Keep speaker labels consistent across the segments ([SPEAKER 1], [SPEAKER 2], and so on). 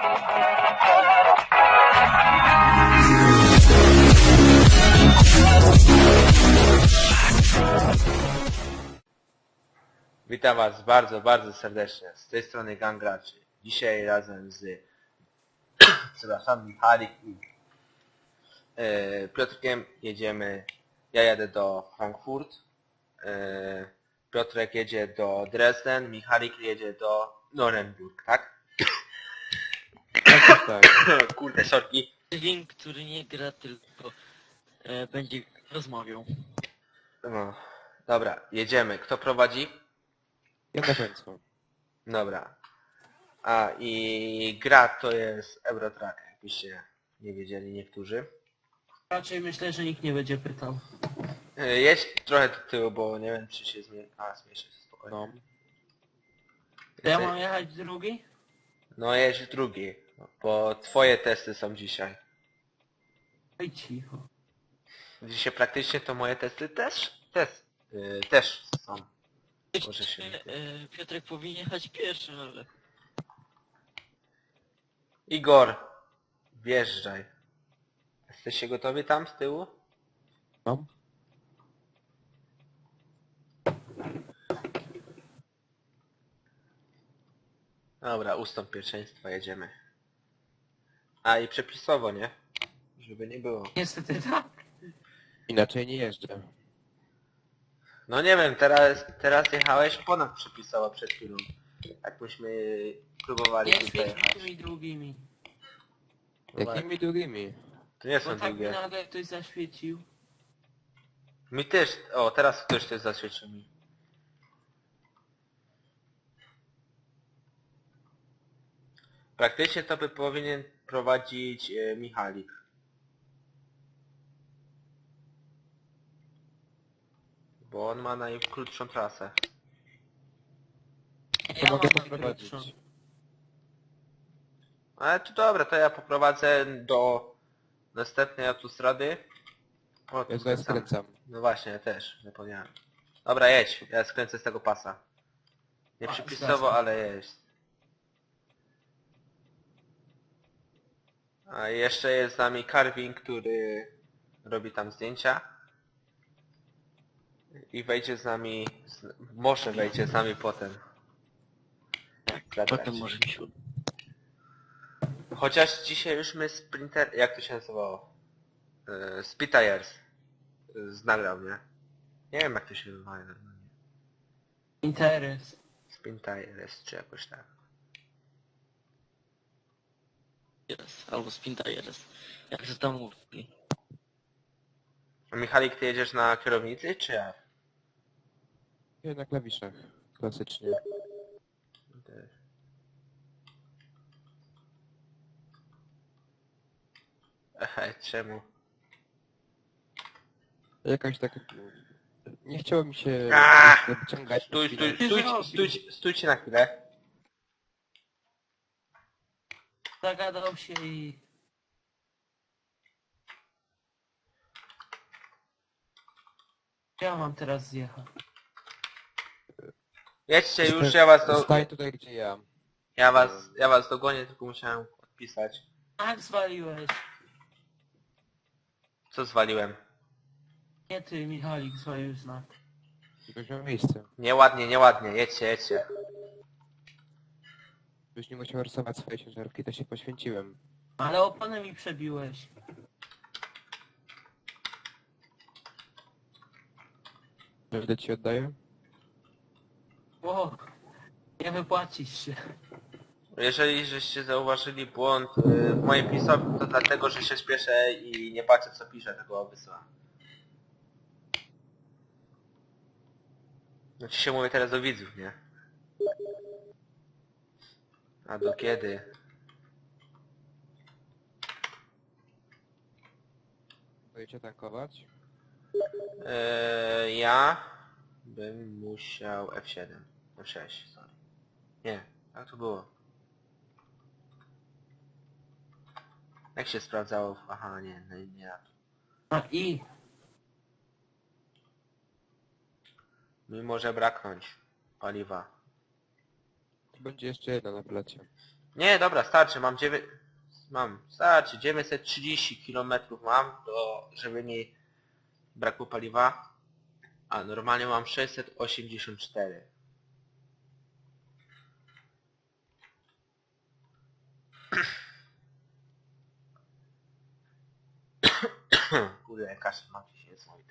[SPEAKER 1] Witam was bardzo, bardzo serdecznie. Z tej strony Gang Graczy. Dzisiaj razem z Michalik i Piotrkiem jedziemy. Ja jadę do Frankfurt. Piotrek jedzie do Dresden. Michalik jedzie do Norenburg, tak?
[SPEAKER 2] Tak.
[SPEAKER 1] Kurde, sorki.
[SPEAKER 3] Link, który nie gra, tylko będzie rozmawiał.
[SPEAKER 1] No, dobra, jedziemy. Kto prowadzi?
[SPEAKER 2] Ja na końcu.
[SPEAKER 1] Dobra. A i gra to jest Eurotrack, jakbyście nie wiedzieli niektórzy.
[SPEAKER 3] Raczej myślę, że nikt nie będzie pytał.
[SPEAKER 1] Jedź trochę do tyłu, bo nie wiem czy się zmieni. A, zmieści się spokojnie.
[SPEAKER 2] No.
[SPEAKER 3] To ja mam jechać drugi?
[SPEAKER 1] No jedź drugi, bo twoje testy są dzisiaj.
[SPEAKER 3] Oj, cicho.
[SPEAKER 1] Dzisiaj praktycznie to moje testy też są. Może się nie
[SPEAKER 3] Piotrek powinien jechać pierwszy, ale...
[SPEAKER 1] Igor, wjeżdżaj. Jesteście gotowi tam z tyłu?
[SPEAKER 2] No.
[SPEAKER 1] Dobra, ustąp pierwszeństwa, jedziemy. A i przepisowo, nie? Żeby nie było.
[SPEAKER 3] Niestety tak.
[SPEAKER 2] Inaczej nie jeżdżę.
[SPEAKER 1] No nie wiem, teraz jechałeś ponad przepisowo przed chwilą. Jak myśmy próbowali
[SPEAKER 3] Nie
[SPEAKER 1] tutaj
[SPEAKER 3] świeć
[SPEAKER 1] jechać.
[SPEAKER 3] tymi drugimi.
[SPEAKER 2] Jakimi drugimi?
[SPEAKER 1] To nie są
[SPEAKER 3] Bo tak mi
[SPEAKER 1] długie.
[SPEAKER 3] nagle ktoś zaświecił.
[SPEAKER 1] Mi też. O, teraz ktoś też zaświecił mi. Praktycznie to by powinien prowadzić Michalik. Bo on ma najkrótszą trasę.
[SPEAKER 2] To mogę
[SPEAKER 3] mam
[SPEAKER 2] poprowadzić.
[SPEAKER 3] najkrótszą.
[SPEAKER 1] Ale to dobra, to ja poprowadzę do następnej autostrady. O,
[SPEAKER 2] Ja
[SPEAKER 1] tu
[SPEAKER 2] tutaj skręcam.
[SPEAKER 1] No właśnie, ja też, zapomniałem. Dobra, jedź, ja skręcę z tego pasa. Nie
[SPEAKER 3] A,
[SPEAKER 1] przypisowo,
[SPEAKER 3] zgadzam.
[SPEAKER 1] ale jedź. A jeszcze jest z nami Carving, który robi tam zdjęcia. I wejdzie z nami, może wejdzie z nami potem. Zagrać.
[SPEAKER 3] Potem może mi się uda.
[SPEAKER 1] Chociaż dzisiaj już my Sprinter, jak to się nazywało? Spitires nagrał, nie? Nie wiem jak to się nazywa normalnie.
[SPEAKER 3] Interes.
[SPEAKER 1] Spitires czy jakoś tak.
[SPEAKER 3] Jest, albo Spinta jest. Jak to tam mówi.
[SPEAKER 1] A Michalik, ty jedziesz na kierownicy czy jak?
[SPEAKER 2] Ja na klawiszach. Klasycznie.
[SPEAKER 1] Czemu?
[SPEAKER 2] Jakaś tak... Nie chciało mi się wyciągać.
[SPEAKER 1] Stójcie na chwilę.
[SPEAKER 3] Zagadał się i... Ja mam teraz zjechać.
[SPEAKER 1] Jedźcie już, ja
[SPEAKER 2] Stań tutaj gdzie ja.
[SPEAKER 1] ja was dogonię, tylko musiałem odpisać.
[SPEAKER 3] Tak zwaliłeś.
[SPEAKER 1] Co zwaliłem?
[SPEAKER 3] Nie ty, Michalik, zwalił znak.
[SPEAKER 2] Tylko miał miejsce.
[SPEAKER 1] Nieładnie, nieładnie, jedźcie.
[SPEAKER 2] Byś nie musiał rysować swojej ciężarówki, to się poświęciłem.
[SPEAKER 3] Ale oponę mi przebiłeś.
[SPEAKER 2] Ile ci oddaję?
[SPEAKER 3] O, nie wypłacisz się.
[SPEAKER 1] Jeżeli żeście zauważyli błąd w moim pisowni, to dlatego, że się spieszę i nie patrzę co piszę, tego wysyłam. Znaczy się mówię teraz do widzów, nie? A do kiedy?
[SPEAKER 2] Chcecie tankować?
[SPEAKER 1] Ja bym musiał F7. F6, sorry. Nie, jak to było? Jak się sprawdzało? Aha, nie.
[SPEAKER 3] A i...
[SPEAKER 1] Mi może braknąć paliwa.
[SPEAKER 2] To będzie jeszcze jedna na plecie.
[SPEAKER 1] Nie, dobra, starczy, starczy, 930 km mam, żeby mi brakło paliwa, a normalnie mam 684. Kurde, kaszel mam dziś niesamowity.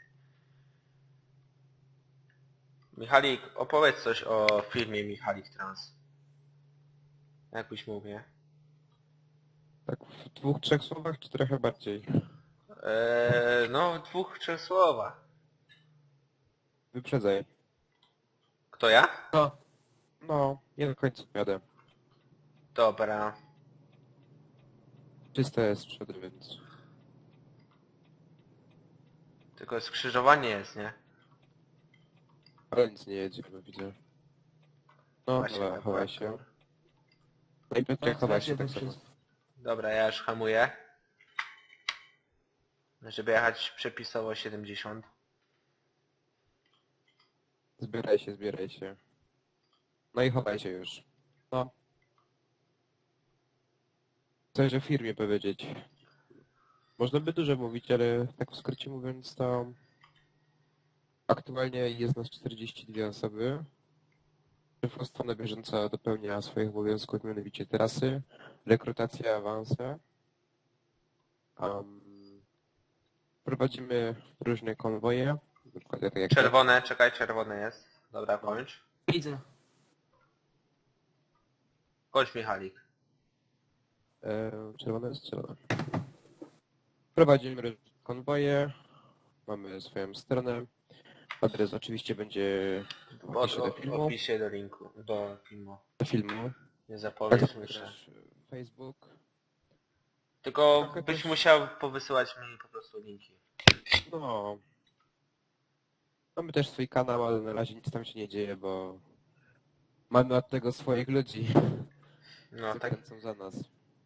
[SPEAKER 1] Michalik, opowiedz coś o firmie Michalik Trans. Jakbyś mógł, nie?
[SPEAKER 2] Tak w 2-3 słowach, czy trochę bardziej?
[SPEAKER 1] No, w 2-3 słowach.
[SPEAKER 2] Wyprzedzaj.
[SPEAKER 1] Kto ja?
[SPEAKER 3] To.
[SPEAKER 2] No, nie do końca jadę.
[SPEAKER 1] Dobra.
[SPEAKER 2] Czyste jest z przodu, więc...
[SPEAKER 1] Tylko skrzyżowanie jest, nie?
[SPEAKER 2] Ale nic nie jedzie, chyba widzę. No,
[SPEAKER 1] Właśnie,
[SPEAKER 2] dobra, chowaj
[SPEAKER 1] akurat
[SPEAKER 2] się.
[SPEAKER 1] tu.
[SPEAKER 2] No i Piotrek, chowaj się tak samo.
[SPEAKER 1] Dobra, ja już hamuję. Żeby jechać przepisowo 70.
[SPEAKER 2] Zbieraj się, zbieraj się. No i chowaj się już. No. Coś o firmie powiedzieć. Można by dużo mówić, ale tak w skrócie mówiąc to... Aktualnie jest nas 42 osoby. Szefostwo na bieżąco dopełnia swoich obowiązków, mianowicie trasy, rekrutacja, awanse. Prowadzimy różne konwoje. Na przykład jak
[SPEAKER 1] Czerwone, czekaj, czerwone jest. Dobra, kończ.
[SPEAKER 3] Widzę.
[SPEAKER 1] Kończ, Michalik.
[SPEAKER 2] Czerwone jest czerwone. Prowadzimy różne konwoje. Mamy swoją stronę. Adres oczywiście będzie w opisie do
[SPEAKER 1] W
[SPEAKER 2] filmu.
[SPEAKER 1] opisie do linku, do filmu.
[SPEAKER 2] Do filmu.
[SPEAKER 1] Nie
[SPEAKER 2] Tak
[SPEAKER 1] zapomnisz
[SPEAKER 2] samo
[SPEAKER 1] jeszcze.
[SPEAKER 2] też Facebook.
[SPEAKER 1] Tylko
[SPEAKER 2] Trochę
[SPEAKER 1] byś
[SPEAKER 2] też-
[SPEAKER 1] musiał powysyłać mi po prostu linki.
[SPEAKER 2] No. Mamy też swój kanał, ale na razie nic tam się nie dzieje, bo mamy od tego swoich ludzi,
[SPEAKER 1] No
[SPEAKER 2] co
[SPEAKER 1] tak.
[SPEAKER 2] kręcą za nas.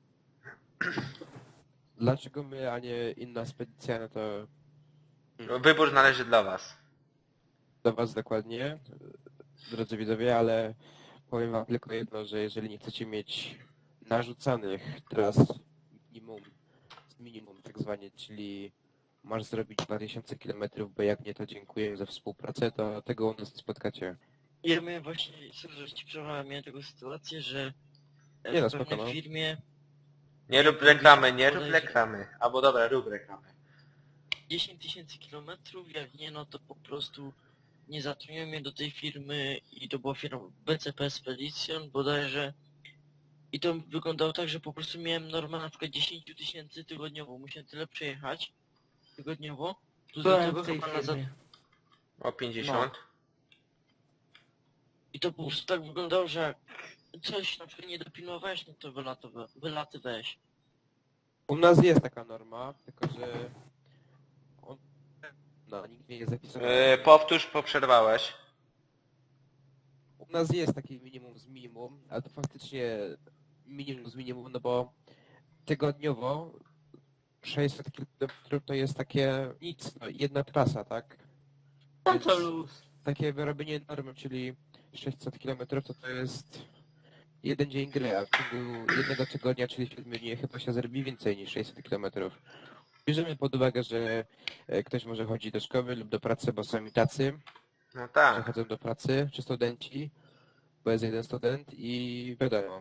[SPEAKER 2] Dlaczego my, a nie inna spedycja, no to
[SPEAKER 1] Wybór należy dla was.
[SPEAKER 2] do was dokładnie, drodzy widzowie, ale powiem wam tylko jedno, że jeżeli nie chcecie mieć narzucanych tras minimum tak zwanie, czyli masz zrobić 2000 km, bo jak nie, to dziękuję za współpracę, to tego u nas nie spotkacie.
[SPEAKER 3] Ja miałem właśnie, sorry, że ci przerwałem, miałem taką sytuację, że
[SPEAKER 2] Nie no,
[SPEAKER 3] w
[SPEAKER 2] spoko,
[SPEAKER 3] pewnej
[SPEAKER 2] no.
[SPEAKER 3] firmie
[SPEAKER 1] Nie rób reklamy, nie rób reklamy. Albo dobra, rób reklamy.
[SPEAKER 3] 10 tysięcy kilometrów, jak nie, no to po prostu nie zatrudnią mnie do tej firmy i to była firma BCP Spedition bodajże. I to wyglądało tak, że po prostu miałem normę na przykład 10 tysięcy tygodniowo, musiałem tyle przejechać tygodniowo. Plus do
[SPEAKER 4] Byłem
[SPEAKER 3] tego
[SPEAKER 4] w tej
[SPEAKER 3] chyba na za...
[SPEAKER 4] firmie.
[SPEAKER 1] O 50.
[SPEAKER 3] I to po prostu tak wyglądało, że jak coś na przykład nie dopilnowałeś, no to wylatywałeś.
[SPEAKER 2] U nas jest taka norma, tylko że no, nikt nie jest zapisany.
[SPEAKER 1] Powtórz, poprzerwałeś.
[SPEAKER 2] U nas jest taki minimum z minimum, ale to faktycznie minimum z minimum, no bo tygodniowo 600 km to jest takie nic, no, jedna trasa, tak?
[SPEAKER 4] No
[SPEAKER 2] Więc
[SPEAKER 4] to luz.
[SPEAKER 2] takie wyrobienie normy, czyli 600 km to jest jeden dzień gry, a w ciągu jednego tygodnia, czyli 7 dni, chyba się zrobi więcej niż 600 km. Bierzemy pod uwagę, że ktoś może chodzić do szkoły lub do pracy, bo są i tacy,
[SPEAKER 1] No
[SPEAKER 2] że
[SPEAKER 1] tak.
[SPEAKER 2] chodzą do pracy, czy studenci, bo jest jeden student i wiadomo,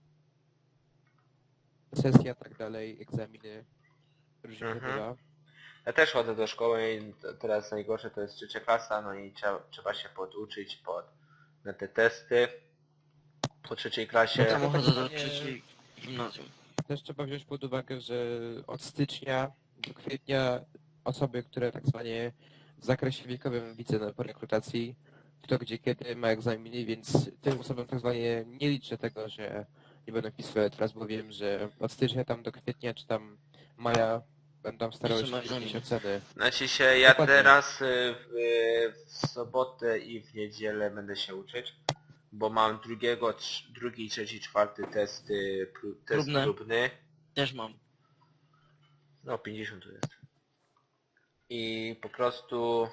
[SPEAKER 2] sesja, tak dalej, egzaminy, różnie to bywa.
[SPEAKER 1] Ja też chodzę do szkoły i teraz najgorsze to jest 3 klasa, no i trzeba się poduczyć na te testy. Po 3 klasie.
[SPEAKER 3] Ja tam chodzę do
[SPEAKER 2] tak zwanie-
[SPEAKER 3] trzeciej gimnazjum.
[SPEAKER 2] Też trzeba wziąć pod uwagę, że od stycznia do kwietnia osoby, które tak zwanie w zakresie wiekowym widzę po rekrutacji, kto gdzie kiedy ma egzaminy, więc tym osobom tak zwanie nie liczę tego, że nie będą pisywać teraz, bo wiem, że od stycznia tam do kwietnia czy tam maja będą starały
[SPEAKER 3] Jeszcze
[SPEAKER 2] się
[SPEAKER 3] ma
[SPEAKER 2] podnieść
[SPEAKER 3] egzamin.
[SPEAKER 2] oceny.
[SPEAKER 1] Znaczy się ja
[SPEAKER 2] Dokładnie.
[SPEAKER 1] teraz w sobotę i w niedzielę będę się uczyć, bo mam drugi, trzeci, czwarty test
[SPEAKER 3] Próbne.
[SPEAKER 1] próbny.
[SPEAKER 3] Też mam.
[SPEAKER 1] No 50 tu jest. I po prostu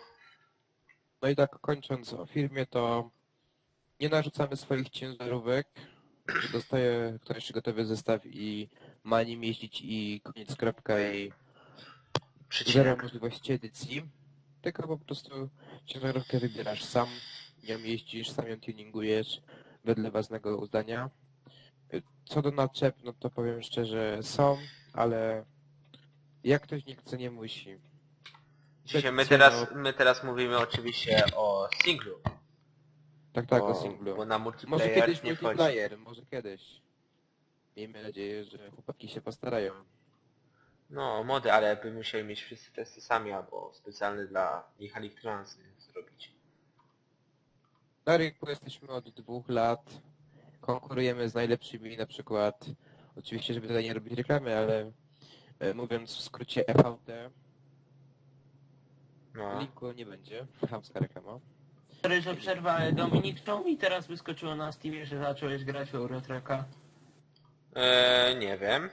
[SPEAKER 2] No i tak kończąc o firmie, to nie narzucamy swoich ciężarówek, że dostaje ktoś gotowy zestaw i ma nim jeździć i koniec, kropka i zero
[SPEAKER 1] Przycinek.
[SPEAKER 2] możliwości edycji, tylko po prostu ciężarówkę wybierasz sam, nią jeździsz, sam ją tuningujesz wedle własnego uznania. Co do naczep, no to powiem szczerze, są, ale jak ktoś nie chce, nie musi.
[SPEAKER 1] Dzisiaj
[SPEAKER 2] Petycję,
[SPEAKER 1] my teraz mówimy oczywiście o singlu,
[SPEAKER 2] tak, o singlu.
[SPEAKER 1] bo na
[SPEAKER 2] Może
[SPEAKER 1] multiplayer
[SPEAKER 2] kiedyś
[SPEAKER 1] nie wchodzi.
[SPEAKER 2] multiplayer, może kiedyś. Miejmy nadzieję, że chłopaki się postarają.
[SPEAKER 1] No, mody, ale by musieli mieć wszyscy testy sami, albo specjalny dla Michalik Trans zrobić.
[SPEAKER 2] Na rynku jesteśmy od 2 lat. Konkurujemy z najlepszymi, na przykład, oczywiście, żeby tutaj nie robić reklamy, ale mówiąc w skrócie EVT,
[SPEAKER 1] No.
[SPEAKER 2] linku nie będzie, chamska reklama.
[SPEAKER 4] Sorry, że przerwa, ale Dominik, czemu mi teraz wyskoczyło na Steamie, że zacząłeś grać w Eurotracka?
[SPEAKER 1] Nie wiem.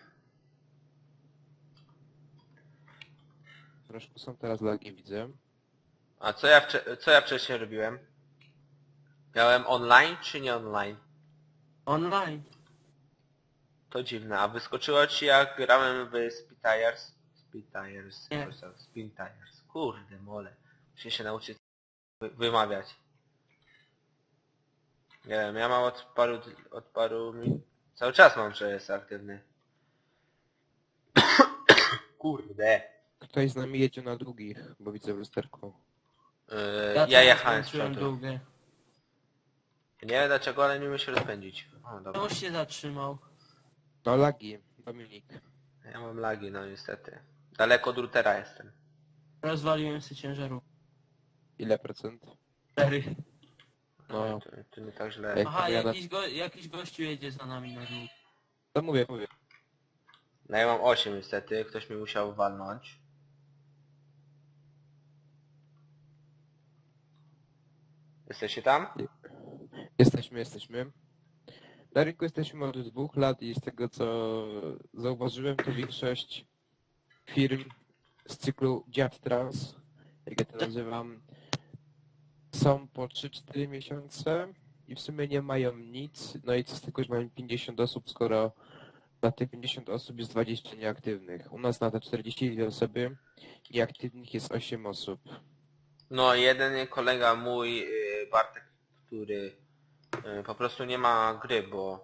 [SPEAKER 2] Troszkę są teraz lagi, widzę.
[SPEAKER 1] A co ja wcześniej robiłem? Miałem online czy nie online?
[SPEAKER 4] Online.
[SPEAKER 1] To dziwne, a wyskoczyło ci jak grałem w Spitires?
[SPEAKER 4] Nie.
[SPEAKER 1] Spitires. Kurde mole. Muszę się nauczyć wymawiać. Nie wiem, ja mam od paru minut. Cały czas mam, że jest aktywny. Kurde.
[SPEAKER 2] Ktoś z nami jedzie na długich, bo widzę w lusterku.
[SPEAKER 1] Ja
[SPEAKER 4] teraz
[SPEAKER 1] jechałem z
[SPEAKER 4] włączyłem
[SPEAKER 1] przodu.
[SPEAKER 4] długie.
[SPEAKER 1] Nie wiem dlaczego, ale nie umiem się rozpędzić. O, dobra.
[SPEAKER 4] Czemu się zatrzymał?
[SPEAKER 2] No lagi, Dominik.
[SPEAKER 1] Ja mam lagi, no niestety. Daleko od routera jestem.
[SPEAKER 4] Rozwaliłem sobie ciężarówkę.
[SPEAKER 2] Ile procent?
[SPEAKER 4] 4.
[SPEAKER 2] No.
[SPEAKER 1] To nie tak źle.
[SPEAKER 2] Ej.
[SPEAKER 4] Aha,
[SPEAKER 2] Ja na-
[SPEAKER 4] jakiś gościu jedzie za nami na dół.
[SPEAKER 2] To mówię.
[SPEAKER 1] No ja mam 8 niestety, ktoś mi musiał walnąć. Jesteście tam?
[SPEAKER 2] Jesteśmy. Na rynku jesteśmy od 2 lat i z tego co zauważyłem, to większość firm z cyklu Dziad Trans, jak ja to nazywam, są po 3-4 miesiące i w sumie nie mają nic. No i co z tego, że mają 50 osób, skoro na te 50 osób jest 20 nieaktywnych. U nas na te 42 osoby nieaktywnych jest 8 osób.
[SPEAKER 1] No jeden kolega mój, Bartek, który po prostu nie ma gry, bo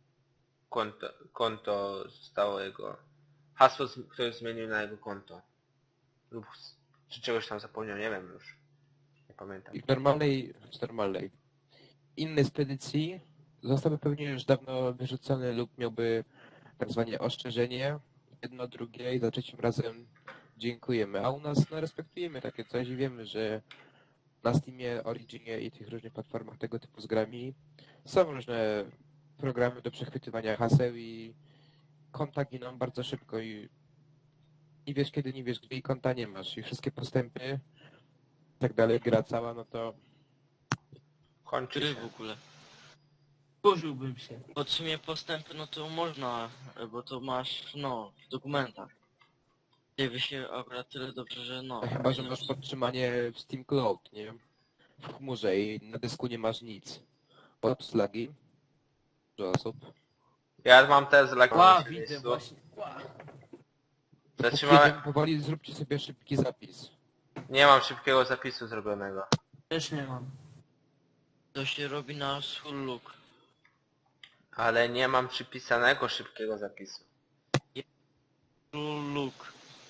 [SPEAKER 1] konto zostało jego... Hasło ktoś zmienił na jego konto. Lub czy czegoś tam zapomniał, nie wiem już. Nie pamiętam.
[SPEAKER 2] I w normalnej innej spedycji zostałby pewnie już dawno wyrzucony lub miałby tak zwane ostrzeżenie, jedno, drugie i za trzecim razem dziękujemy. A u nas no, respektujemy takie coś i wiemy, że na Steamie, Originie i tych różnych platformach tego typu z grami są różne programy do przechwytywania haseł i konta giną bardzo szybko i nie wiesz kiedy, nie wiesz gdzie i konta nie masz i wszystkie postępy i tak dalej, gra cała, no to
[SPEAKER 1] Kończy
[SPEAKER 3] Gry
[SPEAKER 1] się.
[SPEAKER 3] w ogóle.
[SPEAKER 4] Kurzyłbym się.
[SPEAKER 3] Bo w sumie postępy, no to można, bo to masz, no, w dokumentach. Dzieje się akurat tyle dobrze, że no.
[SPEAKER 2] chyba, że masz podtrzymanie w Steam Cloud, nie? W chmurze i na dysku nie masz nic. Od slagi. Dużo osób.
[SPEAKER 1] Ja mam też lagi
[SPEAKER 4] Ła,
[SPEAKER 1] na
[SPEAKER 4] widzę
[SPEAKER 1] miejscu.
[SPEAKER 4] właśnie. Ła.
[SPEAKER 1] Zatrzymałem...
[SPEAKER 2] Jedziemy powoli, zróbcie sobie szybki zapis.
[SPEAKER 1] Nie mam szybkiego zapisu zrobionego.
[SPEAKER 4] Też nie mam.
[SPEAKER 3] To się robi na full look.
[SPEAKER 1] Ale nie mam przypisanego szybkiego zapisu.
[SPEAKER 3] Full look.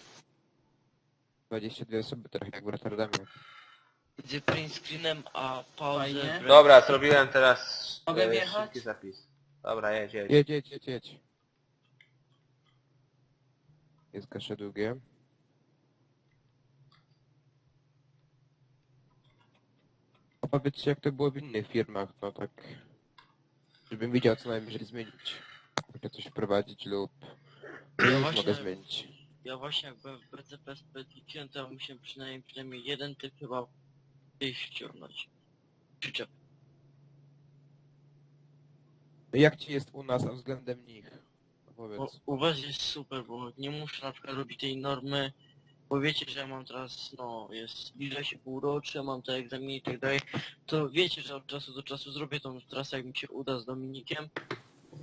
[SPEAKER 2] 22 osoby, trochę jak w Rotterdamie.
[SPEAKER 3] Gdzie print screenem, a pauzę...
[SPEAKER 4] Fajnie.
[SPEAKER 1] Dobra, zrobiłem teraz
[SPEAKER 4] Mogę wjechać?
[SPEAKER 1] szybki zapis. Dobra, jedź.
[SPEAKER 2] Jedź. Jest gasze długie. Opowiedzcie jak to było w innych firmach, no tak... Żebym wiedział co najwyżej zmienić. Mogę coś wprowadzić lub...
[SPEAKER 3] No
[SPEAKER 2] Już
[SPEAKER 3] właśnie-
[SPEAKER 2] mogę zmienić.
[SPEAKER 3] Ja właśnie jak byłem w BCP Spedition, to musiałem przynajmniej jeden typ chyba gdzieś ściągnąć. Przyczep.
[SPEAKER 2] Jak ci jest u nas, a względem nich? Opowiedz.
[SPEAKER 3] U was jest super, bo nie muszę na przykład robić tej normy, bo wiecie, że ja mam teraz, no, zbliża się półrocze, mam te egzaminy i tak dalej, to wiecie, że od czasu do czasu zrobię tą trasę, jak mi się uda z Dominikiem,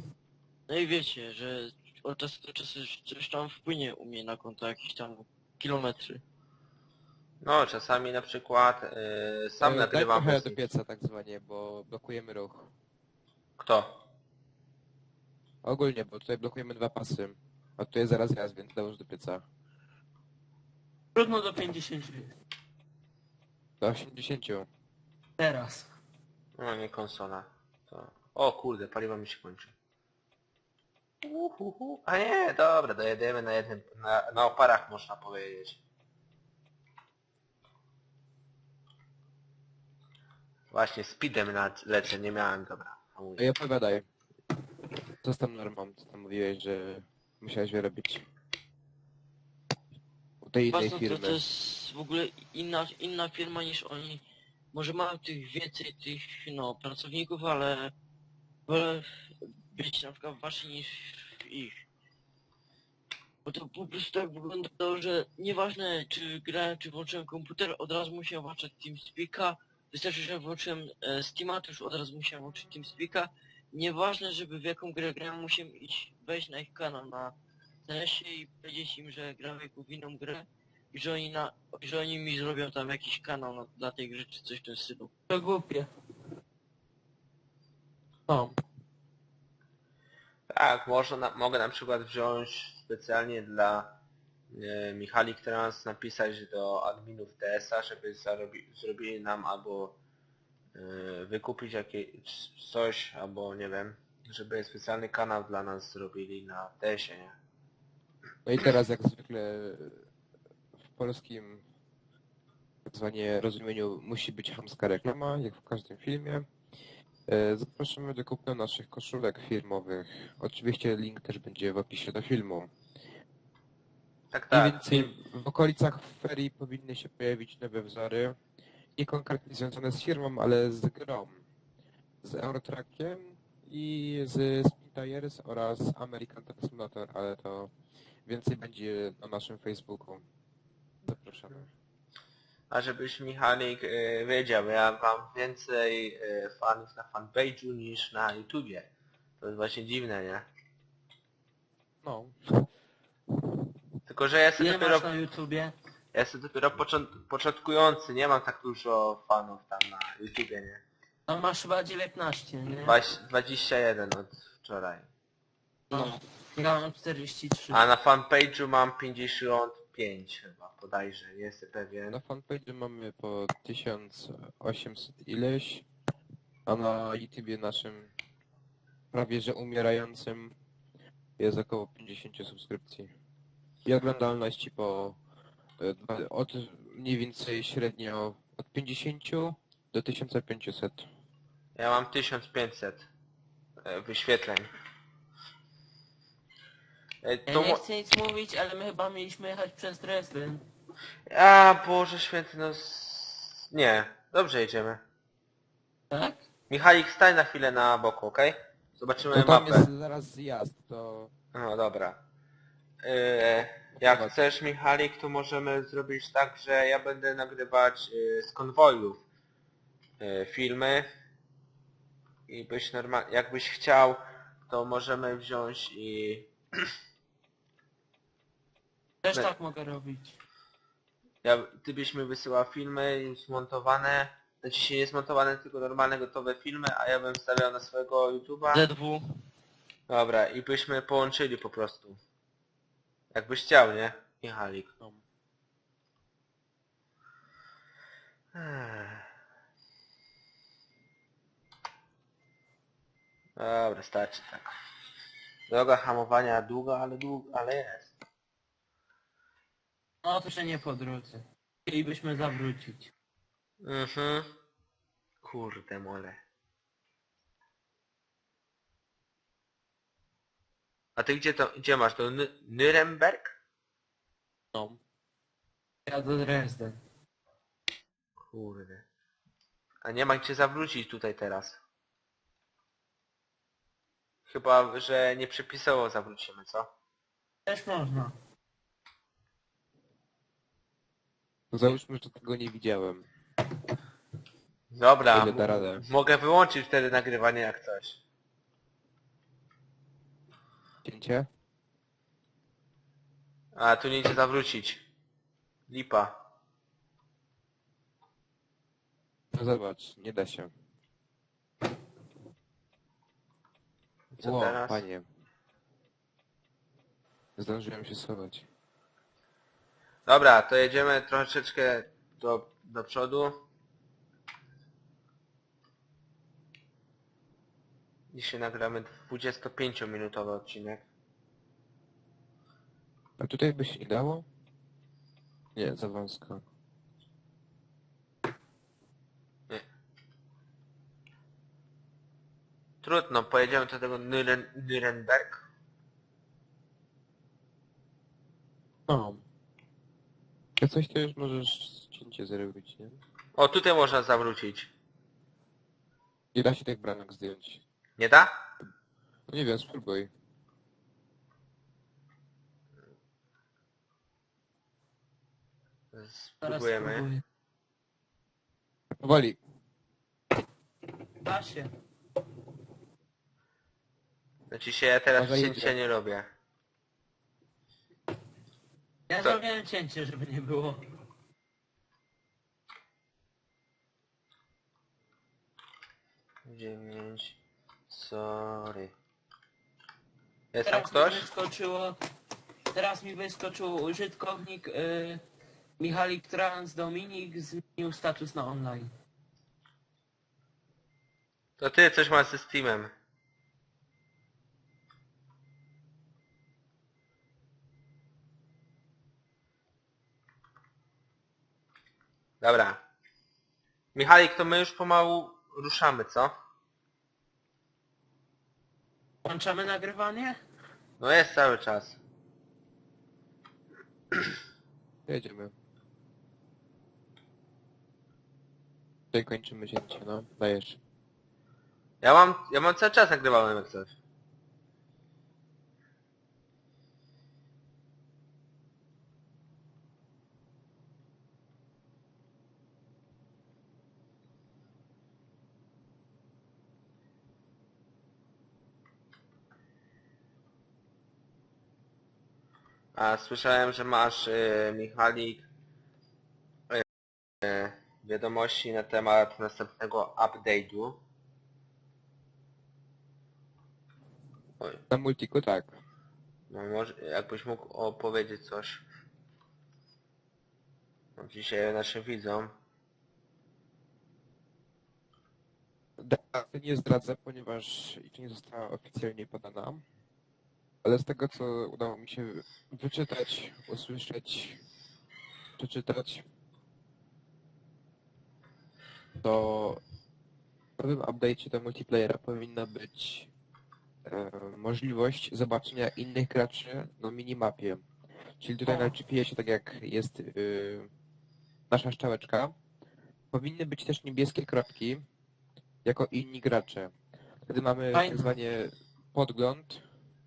[SPEAKER 3] No i wiecie, że od czasu do czasu coś tam wpłynie u mnie na konto, jakieś tam kilometry.
[SPEAKER 1] No, czasami na przykład sam
[SPEAKER 2] Daj
[SPEAKER 1] nagrywam
[SPEAKER 2] trochę
[SPEAKER 1] bez
[SPEAKER 2] do
[SPEAKER 1] nic.
[SPEAKER 2] pieca tak zwanie, bo blokujemy ruch.
[SPEAKER 1] Kto?
[SPEAKER 2] Ogólnie, bo tutaj blokujemy 2 pasy. A tu jest zaraz raz, więc dołóż do pieca.
[SPEAKER 4] Trudno do 50.
[SPEAKER 2] Do 80.
[SPEAKER 4] Teraz.
[SPEAKER 1] No nie konsola. To... O kurde, paliwo mi się kończy. A nie, dobra, dojedziemy na jednym, na oparach można powiedzieć. Właśnie speedem lecę, nie miałem, dobra.
[SPEAKER 2] No i opowiadaj. Co z tą normą? Co tam mówiłeś, że musiałeś wyrobić? U tej innej
[SPEAKER 3] Patrz, to
[SPEAKER 2] firmy.
[SPEAKER 3] jest w ogóle inna firma niż oni. Może mają tych więcej tych, no, pracowników, ale wolę być na przykład wasi niż w ich. Bo to po prostu tak wyglądało, że nieważne czy grałem, czy włączyłem komputer, od razu musiałem włączać TeamSpeak'a. Wystarczy, że włączyłem Steam'a, to już od razu musiałem włączyć TeamSpeak'a. Nieważne, żeby w jaką grę grałem, musiałem wejść na ich kanał na TS-ie i powiedzieć im, że gram w jakąś inną grę i że oni mi zrobią tam jakiś kanał dla tej gry, czy coś w tym stylu.
[SPEAKER 4] To głupie.
[SPEAKER 2] No.
[SPEAKER 1] Tak, mogę na przykład wziąć specjalnie dla Michali Trans napisać do adminów TS-a, żeby zrobili nam albo wykupić jakieś coś, albo nie wiem, żeby specjalny kanał dla nas zrobili na TS-ie, nie?
[SPEAKER 2] No i teraz jak zwykle w polskim tak zwanie rozumieniu musi być chamska reklama, jak w każdym filmie. Zapraszamy do kupna naszych koszulek firmowych. Oczywiście link też będzie w opisie do filmu.
[SPEAKER 1] Tak,
[SPEAKER 2] Mniej
[SPEAKER 1] tak.
[SPEAKER 2] więcej w okolicach ferii powinny się pojawić nowe wzory. Nie konkretnie związane z firmą, ale z grą. Z Eurotrackiem i z Spin Tires oraz American Truck Simulator, ale to więcej będzie na naszym Facebooku. Zapraszamy.
[SPEAKER 1] A żebyś Michalik wiedział, ja mam więcej fanów na fanpage'u niż na YouTubie. To jest właśnie dziwne, nie?
[SPEAKER 2] No.
[SPEAKER 1] Tylko, że ja jestem
[SPEAKER 4] Ile
[SPEAKER 1] dopiero,
[SPEAKER 4] masz na YouTubie?
[SPEAKER 1] początkujący, nie mam tak dużo fanów tam na YouTubie, nie?
[SPEAKER 4] No masz chyba 19, nie?
[SPEAKER 1] 21 od wczoraj.
[SPEAKER 4] No. Ja mam 43.
[SPEAKER 1] A na fanpage'u mam 55 chyba, bodajże, nie jestem pewien.
[SPEAKER 2] Na fanpage'u mamy po 1800 ileś, a na YouTubie naszym prawie że umierającym jest około 50 subskrypcji. I oglądalności od mniej więcej średnio od 50 do 1500.
[SPEAKER 1] Ja mam 1500 wyświetleń.
[SPEAKER 4] Ja
[SPEAKER 1] To
[SPEAKER 4] nie chcę nic mówić, ale my chyba mieliśmy jechać przez Dresden.
[SPEAKER 1] A, Boże święty, no... Nie, dobrze jedziemy.
[SPEAKER 4] Tak?
[SPEAKER 1] Michalik, stań na chwilę na boku, okej? Zobaczymy
[SPEAKER 2] No tam
[SPEAKER 1] mapę.
[SPEAKER 2] jest zaraz zjazd, to...
[SPEAKER 1] No dobra. Jak chcesz, Michalik, to możemy zrobić tak, że ja będę nagrywać z konwojów filmy. I jakbyś chciał, to możemy wziąć i...
[SPEAKER 4] Też
[SPEAKER 1] My-
[SPEAKER 4] tak mogę robić.
[SPEAKER 1] Ty byś mi wysyłał filmy zmontowane, znaczy się nie zmontowane, tylko normalne gotowe filmy, a ja bym wstawiał na swojego YouTube'a.
[SPEAKER 3] ZW.
[SPEAKER 1] Dobra, i byśmy połączyli po prostu. Jakbyś chciał, nie? Michalik.
[SPEAKER 2] No.
[SPEAKER 1] Dobra, starczy tak. Droga hamowania długa, ale jest.
[SPEAKER 4] No to że nie po drodze. Chcielibyśmy zawrócić.
[SPEAKER 1] Mhm. Kurde mole. A ty gdzie masz? Do Nürnberg?
[SPEAKER 2] No.
[SPEAKER 4] Ja do Dresden.
[SPEAKER 1] Kurde. A nie ma gdzie zawrócić tutaj teraz. Chyba, że nie przepisowo zawrócimy, co?
[SPEAKER 4] Też można.
[SPEAKER 2] Załóżmy, że tego nie widziałem.
[SPEAKER 1] Dobra,
[SPEAKER 2] Ile da radę.
[SPEAKER 1] mogę wyłączyć wtedy nagrywanie jak coś.
[SPEAKER 2] Cięcie?
[SPEAKER 1] A, tu nie idzie zawrócić. Lipa.
[SPEAKER 2] No zobacz, nie da się.
[SPEAKER 1] Co
[SPEAKER 2] Ło,
[SPEAKER 1] teraz?
[SPEAKER 2] panie. Zdążyłem się schować.
[SPEAKER 1] Dobra, to jedziemy troszeczkę do przodu. Dzisiaj nagramy 25-minutowy odcinek.
[SPEAKER 2] A tutaj by się nie dało? Nie, za wąsko.
[SPEAKER 1] Trudno, pojedziemy do tego Nürnberg.
[SPEAKER 2] O. Jak coś to już możesz cięcie zrobić, nie?
[SPEAKER 1] O, tutaj można zawrócić.
[SPEAKER 2] Nie da się tych bramek zdjąć.
[SPEAKER 1] Nie da?
[SPEAKER 2] No nie wiem, spróbuj.
[SPEAKER 4] Zaraz
[SPEAKER 1] Spróbujemy.
[SPEAKER 4] spróbuję.
[SPEAKER 2] Powoli.
[SPEAKER 4] Da się.
[SPEAKER 1] Znaczy się ja teraz
[SPEAKER 2] Może
[SPEAKER 1] cięcia
[SPEAKER 2] jutro.
[SPEAKER 1] nie robię.
[SPEAKER 4] Ja
[SPEAKER 1] Co?
[SPEAKER 4] zrobiłem cięcie, żeby nie było.
[SPEAKER 1] Dziewięć. Sorry. Jest tam
[SPEAKER 4] Teraz mi
[SPEAKER 1] ktoś?
[SPEAKER 4] wyskoczyło... Teraz mi wyskoczył użytkownik Michalik Trans Dominik, zmienił status na online.
[SPEAKER 1] To ty coś masz ze Steamem. Dobra. Michalik, to my już pomału ruszamy, co?
[SPEAKER 4] Włączamy nagrywanie?
[SPEAKER 1] No jest cały czas.
[SPEAKER 2] Jedziemy. Tutaj kończymy cięcie, no. Dajesz.
[SPEAKER 1] Ja mam cały czas nagrywałem jak coś. A słyszałem, że masz, Michalik, wiadomości na temat następnego update'u. Oj,
[SPEAKER 2] Na multiku tak.
[SPEAKER 1] no może jakbyś mógł opowiedzieć coś. No, dzisiaj naszym widzom.
[SPEAKER 2] Daty nie zdradzę, ponieważ jeszcze nie została oficjalnie podana. Ale z tego, co udało mi się wyczytać, usłyszeć, przeczytać, to w nowym update'cie do multiplayera powinna być możliwość zobaczenia innych graczy na minimapie. Czyli tutaj na GPS-ie, tak jak jest nasza strzałeczka, powinny być też niebieskie kropki jako inni gracze. Wtedy mamy
[SPEAKER 4] Fajne.
[SPEAKER 2] tak zwanie podgląd.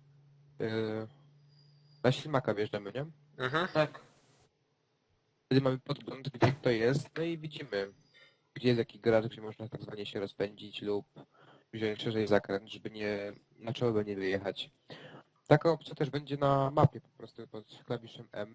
[SPEAKER 2] Na ślimaka wjeżdżamy, nie?
[SPEAKER 1] Mhm.
[SPEAKER 4] Tak.
[SPEAKER 2] Wtedy mamy podgląd, gdzie kto jest, no i widzimy, gdzie jest jaki gracz, gdzie można tak zwanie się rozpędzić lub wziąć szerzej zakręt, żeby nie na czołówę nie wyjechać. Taka opcja też będzie na mapie po prostu pod klawiszem M.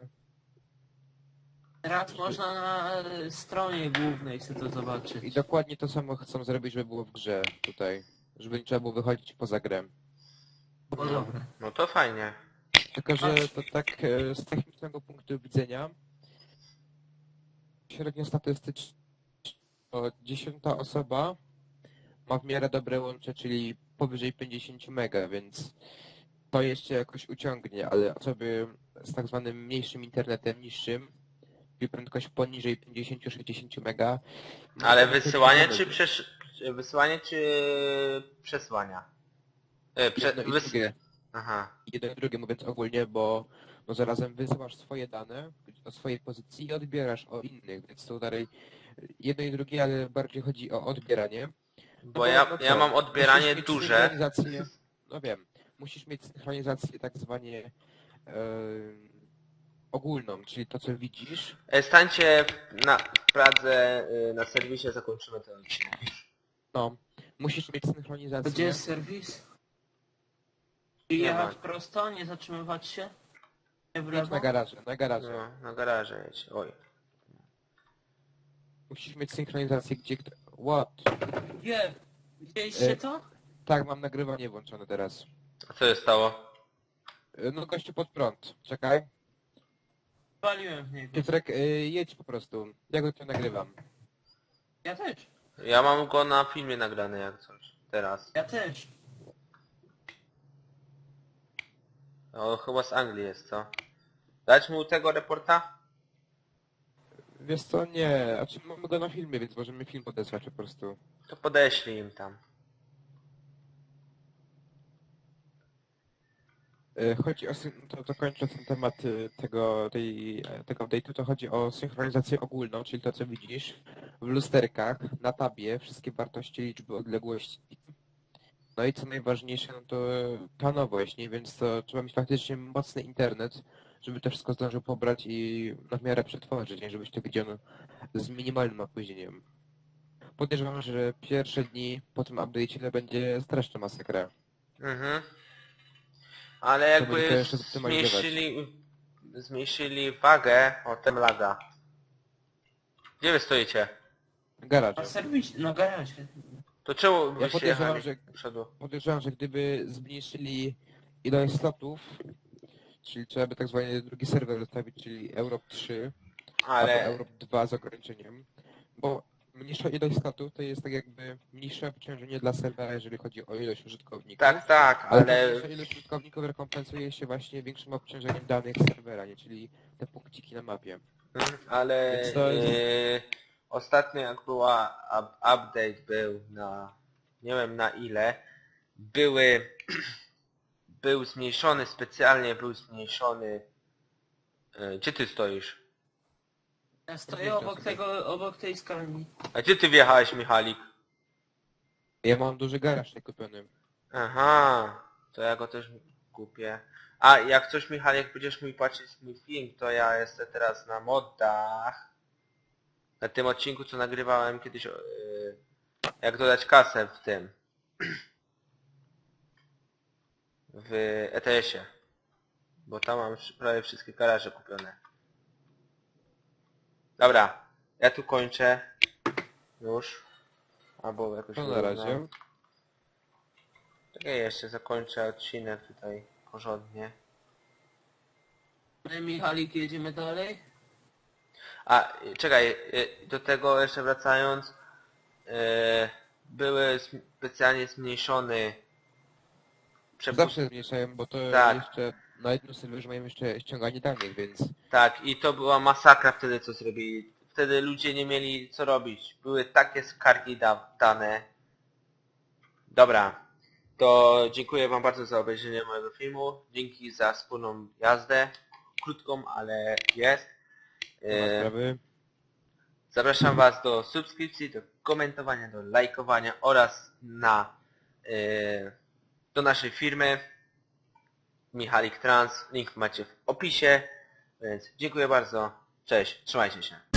[SPEAKER 4] Teraz można na stronie głównej sobie to zobaczyć.
[SPEAKER 2] I dokładnie to samo chcą zrobić, żeby było w grze tutaj. Żeby nie trzeba było wychodzić poza grę.
[SPEAKER 4] Było dobre.
[SPEAKER 1] No to fajnie.
[SPEAKER 2] Tylko, że to tak z technicznego punktu widzenia średnio statystycznie to 10 osoba ma w miarę dobre łącze, czyli powyżej 50 mega, więc to jeszcze jakoś uciągnie, ale osoby z tak zwanym mniejszym internetem, niższym, czyli prędkość poniżej 50-60 mega.
[SPEAKER 1] Ale
[SPEAKER 2] mogą
[SPEAKER 1] wysyłanie
[SPEAKER 2] coś
[SPEAKER 1] czy
[SPEAKER 2] zrobić.
[SPEAKER 1] wysyłanie czy przesłania?
[SPEAKER 2] Jedno i drugie.
[SPEAKER 1] Aha.
[SPEAKER 2] Jedno i drugie mówiąc ogólnie, bo no zarazem wysyłasz swoje dane o swojej pozycji i odbierasz o innych, więc to dalej jedno i drugie, ale bardziej chodzi o odbieranie. No
[SPEAKER 1] Bo ja
[SPEAKER 2] co,
[SPEAKER 1] mam odbieranie
[SPEAKER 2] musisz mieć
[SPEAKER 1] duże.
[SPEAKER 2] synchronizację, no wiem, musisz mieć synchronizację tak zwanie ogólną, czyli to co widzisz.
[SPEAKER 1] Stańcie w Pradze, na serwisie, zakończymy ten odcinek.
[SPEAKER 2] No, musisz mieć synchronizację.
[SPEAKER 4] Gdzie jest serwis? I
[SPEAKER 1] Nie
[SPEAKER 4] jechać
[SPEAKER 1] ma.
[SPEAKER 4] prosto, nie zatrzymywać się? Nie w
[SPEAKER 2] Jedź
[SPEAKER 4] lewo?
[SPEAKER 2] na garaże, na garaże.
[SPEAKER 1] No, na garaże jedź. Oj.
[SPEAKER 2] Musisz mieć synchronizację, gdzie... What?
[SPEAKER 4] Gdzie? Widzieliście to?
[SPEAKER 2] Tak, mam nagrywanie włączone teraz.
[SPEAKER 1] A co się stało?
[SPEAKER 2] No gościu pod prąd. Czekaj.
[SPEAKER 4] Waliłem w niego.
[SPEAKER 2] Piotrek, jedź po prostu. Ja go tu nagrywam.
[SPEAKER 4] Ja też.
[SPEAKER 1] Ja mam go na filmie nagrany jak coś. Teraz.
[SPEAKER 4] Ja też.
[SPEAKER 1] O, chyba z Anglii jest, co? Dać mu tego reporta?
[SPEAKER 2] Wiesz co, nie. A czy mamy go na filmie, więc możemy film podesłać po prostu.
[SPEAKER 1] To podeślij im tam.
[SPEAKER 2] Chodzi o... To kończąc ten temat tego update'u, to chodzi o synchronizację ogólną, czyli to co widzisz w lusterkach, na tabie, wszystkie wartości, liczby, odległości. No i co najważniejsze, no to ta nowość, nie? Więc to trzeba mieć faktycznie mocny internet, żeby to wszystko zdążył pobrać i na w miarę przetworzyć, nie? Żebyś to widział z minimalnym opóźnieniem. Podejrzewam, że pierwsze dni po tym update'cie to będzie straszna masakra.
[SPEAKER 1] Mhm. Ale
[SPEAKER 2] To będzie to
[SPEAKER 1] jakby
[SPEAKER 2] jeszcze zoptymalizować.
[SPEAKER 1] zmniejszyli wagę o tem laga. Gdzie wy stoicie?
[SPEAKER 4] Na
[SPEAKER 2] Garaże.
[SPEAKER 4] serwisie, na garażie.
[SPEAKER 1] To czemu
[SPEAKER 2] Ja
[SPEAKER 1] byście
[SPEAKER 2] podejrzewam,
[SPEAKER 1] jechali
[SPEAKER 2] że
[SPEAKER 1] do przodu?
[SPEAKER 2] gdyby zmniejszyli ilość slotów, czyli trzeba by tak zwany drugi serwer zostawić, czyli Europe 3, albo
[SPEAKER 1] Ale...
[SPEAKER 2] Europe 2 z ograniczeniem, bo mniejsza ilość slotów to jest tak jakby mniejsze obciążenie dla serwera, jeżeli chodzi o ilość użytkowników.
[SPEAKER 1] Tak,
[SPEAKER 2] Ale ta
[SPEAKER 1] ale...
[SPEAKER 2] mniejsza ilość użytkowników rekompensuje się właśnie większym obciążeniem danych serwera, nie? Czyli te punkciki na mapie.
[SPEAKER 1] Ale...
[SPEAKER 2] Więc to jest-
[SPEAKER 1] Ostatnio jak była update był na... Nie wiem na ile. Był zmniejszony, specjalnie był zmniejszony... Gdzie ty stoisz?
[SPEAKER 4] Ja stoję obok tej skalni.
[SPEAKER 1] A gdzie ty wjechałeś, Michalik?
[SPEAKER 2] Ja mam duży garaż nie kupiony.
[SPEAKER 1] Aha, to ja go też kupię. A jak coś, Michał, jak będziesz mi płacić mój film, to ja jestem teraz na modach. Na tym odcinku, co nagrywałem kiedyś, jak dodać kasę w tym. W ETS-ie. Bo tam mam prawie wszystkie garaże kupione. Dobra, ja tu kończę. Już. Albo jakoś
[SPEAKER 2] To na
[SPEAKER 1] wyrównam.
[SPEAKER 2] razie.
[SPEAKER 1] Czekaj, jeszcze zakończę odcinek tutaj porządnie.
[SPEAKER 4] My, Michalik, jedziemy dalej?
[SPEAKER 1] A, czekaj, do tego jeszcze wracając, były specjalnie zmniejszony przepust...
[SPEAKER 2] Zawsze zmniejszają, bo to
[SPEAKER 1] Tak.
[SPEAKER 2] jeszcze na jednym serwerze mają jeszcze ściąganie danych, więc
[SPEAKER 1] Tak, i to była masakra wtedy, co zrobili. Wtedy ludzie nie mieli co robić. Były takie skargi dane. Dobra, to dziękuję wam bardzo za obejrzenie mojego filmu. Dzięki za wspólną jazdę. Krótką, ale jest.
[SPEAKER 2] nie ma sprawy.
[SPEAKER 1] Zapraszam was do subskrypcji, do komentowania, do lajkowania oraz do naszej firmy Michalik Trans. Link macie w opisie. Więc dziękuję bardzo. Cześć, trzymajcie się.